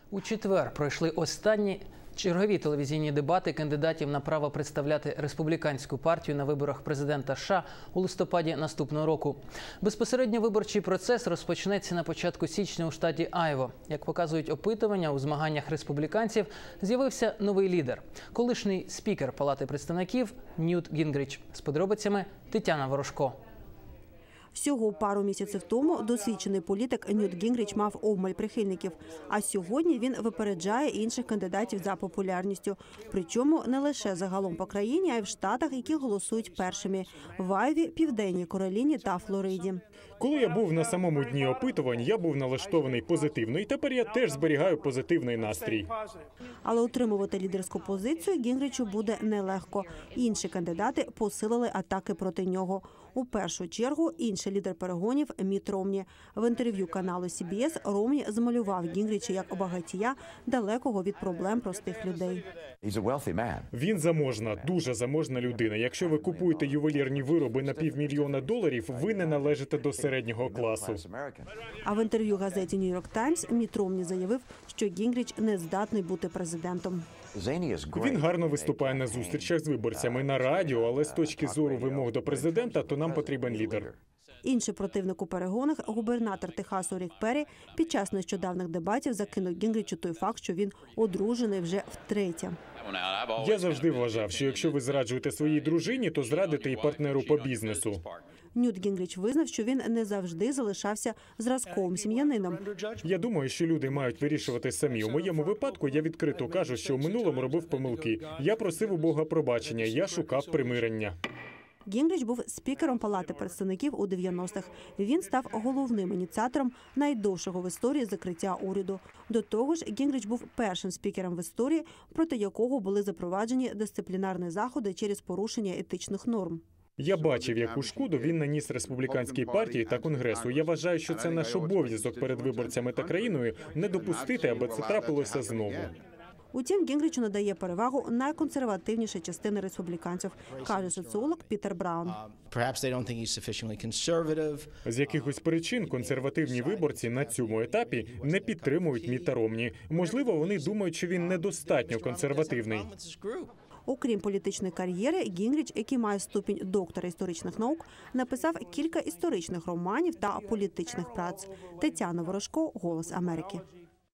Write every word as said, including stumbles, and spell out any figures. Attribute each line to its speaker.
Speaker 1: У четвер пройшли останні чергові телевізійні дебати кандидатів на право представляти республіканську партію на виборах президента США у листопаді наступного року. Безпосередньо виборчий процес розпочнеться на початку січня у штаті Айова. Як показують опитування, у змаганнях республіканців з'явився новий лідер – колишній спікер Палати представників Ньют Гінгріч. З подробицями Тетяна Ворожко.
Speaker 2: Всього пару місяців тому досвідчений політик Ньют Гінгріч мав обмаль прихильників. А сьогодні він випереджає інших кандидатів за популярністю. Причому не лише загалом по країні, а й в штатах, які голосують першими – в Айові, Південній Кароліні та Флориді.
Speaker 3: Коли я був на самому дні опитувань, я був налаштований позитивно. І тепер я теж зберігаю позитивний настрій.
Speaker 2: Але утримувати лідерську позицію Гінгрічу буде нелегко. Інші кандидати посилили атаки проти нього. У першу чергу інший лідер перегонів Мітт Ромні. В інтерв'ю каналу Сі Бі Ес Ромні змалював Гінгріча як багатія, далекого від проблем простих людей.
Speaker 3: Він заможна, дуже заможна людина. Якщо ви купуєте ювелірні вироби на півмільйона доларів, ви не належите до середнього класу.
Speaker 2: А в інтерв'ю газеті «Нью-Йорк Таймс» Мітт Ромні заявив, що Гінгріч не здатний бути президентом.
Speaker 3: Він гарно виступає на зустрічах з виборцями на радіо, але з точки зору вимог до президента, то нам потрібен лідер.
Speaker 2: Інший противник у перегонах, губернатор Техасу Рік Перрі, під час нещодавних дебатів закинув Гінгрічу той факт, що він одружений вже втретє.
Speaker 3: Я завжди вважав, що якщо ви зраджуєте своїй дружині, то зрадите і партнеру по бізнесу.
Speaker 2: Ньют Гінгріч визнав, що він не завжди залишався зразковим сім'янином.
Speaker 3: Я думаю, що люди мають вирішувати самі. У моєму випадку я відкрито кажу, що в минулому робив помилки. Я просив у Бога пробачення, я шукав примирення.
Speaker 2: Гінгріч був спікером Палати представників у дев'яностих. Він став головним ініціатором найдовшого в історії закриття уряду. До того ж, Гінгріч був першим спікером в історії, проти якого були запроваджені дисциплінарні заходи через порушення етичних норм.
Speaker 3: Я бачив, яку шкоду він наніс республіканській партії та Конгресу. Я вважаю, що це наш обов'язок перед виборцями та країною не допустити, аби це трапилося знову.
Speaker 2: Утім, Гінгрічу надає перевагу найконсервативніша частина республіканців, каже соціолог Пітер Браун.
Speaker 3: З якихось причин консервативні виборці на цьому етапі не підтримують Мітта Ромні. Можливо, вони думають, що він недостатньо консервативний.
Speaker 2: Окрім політичної кар'єри, Гінгріч, який має ступінь доктора історичних наук, написав кілька історичних романів та політичних праць. Тетяна Ворожко, «Голос Америки».